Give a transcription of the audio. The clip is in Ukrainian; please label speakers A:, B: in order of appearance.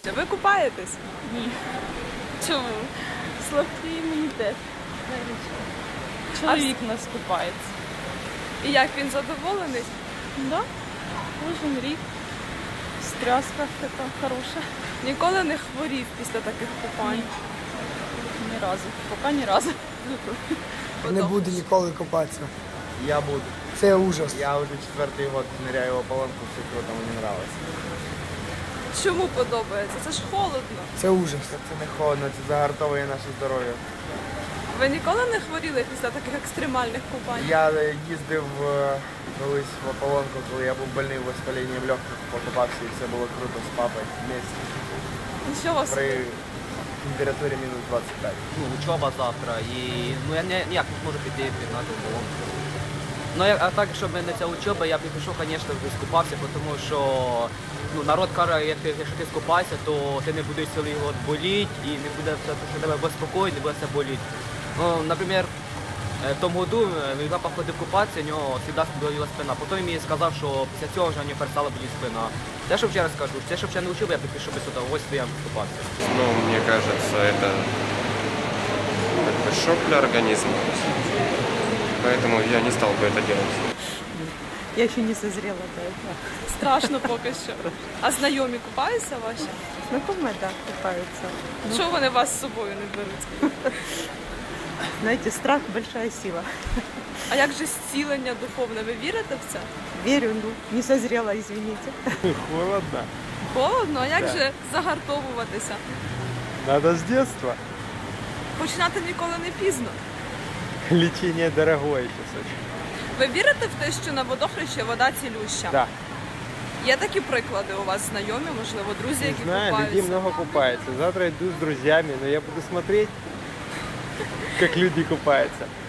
A: Ви купаєтесь?
B: Ні.
A: Чому?
B: Слабкий імунітет. Чоловік у нас купається.
A: І як він задоволений?
B: Да? Кожен рік. Стряска така хороша.
A: Ніколи не хворів після таких купань?
B: Ні разу. Поки ні разу.
C: Не буду ніколи купатися.
D: Я буду.
C: Це ужас.
D: Я уже 4-й год ныряю в ополонку, все кому не нравится.
A: Чому подобається? Це ж холодно.
C: Це ужас.
D: Це не холодно, це загартовує наше здоров'я.
A: Ви ніколи не хворіли після таких екстремальних купань?
D: Я їздив колись в ополонку, коли я був больний воспаленням легких, покупався і все було круто з папою вместе.
A: Нічого собі.
D: При температурі мінус 25.
E: Ну, учоба завтра і я ніяк не зможу піти на ту поломку. Ну, а так, щоб не ця учоба, я б пішов, звісно, скупався, тому що народ каже, якщо ти скупаєшся, то ти не будеш цілий год боліти і не буде все, що тебе безпокоїть, не буде все боліти. Ну, наприклад, в тому году я походив купатися, у нього завжди боліла спина. Потім мені сказав, що після цього вже у нього перестала боліти спина. Те, що вчора скажу, те, що вчора не учив, я б пішов без удовольствия купатися.
F: Ну, мне кажется, это как бы шок для организма. Поэтому я не стал бы это делать.
B: Я ще не созрела до этого.
A: Страшно поки що. А знайомі купаються ваші?
B: Знакомые, да, купаются.
A: Чого вони вас з собою не беруть?
B: Знаете, страх – большая сила.
A: А як же зцілення духовне? Ви вірите в це?
B: Верю, ну, не созрела, извините.
G: Холодно.
A: Холодно, а як
G: Так.
A: же загартовуватися?
G: Надо с детства.
A: Починати ніколи не пізно.
G: Лечение дорогое сейчас очень.
A: Ви вірите в те, що на водохрещі вода цілюща?
G: Да.
A: Є такі приклади у вас знайомі, можливо, друзі,
G: Не
A: які
G: знаю, людей
A: купаються?
G: много купается. Завтра иду с друзьями, но я буду смотреть, как люди купаются.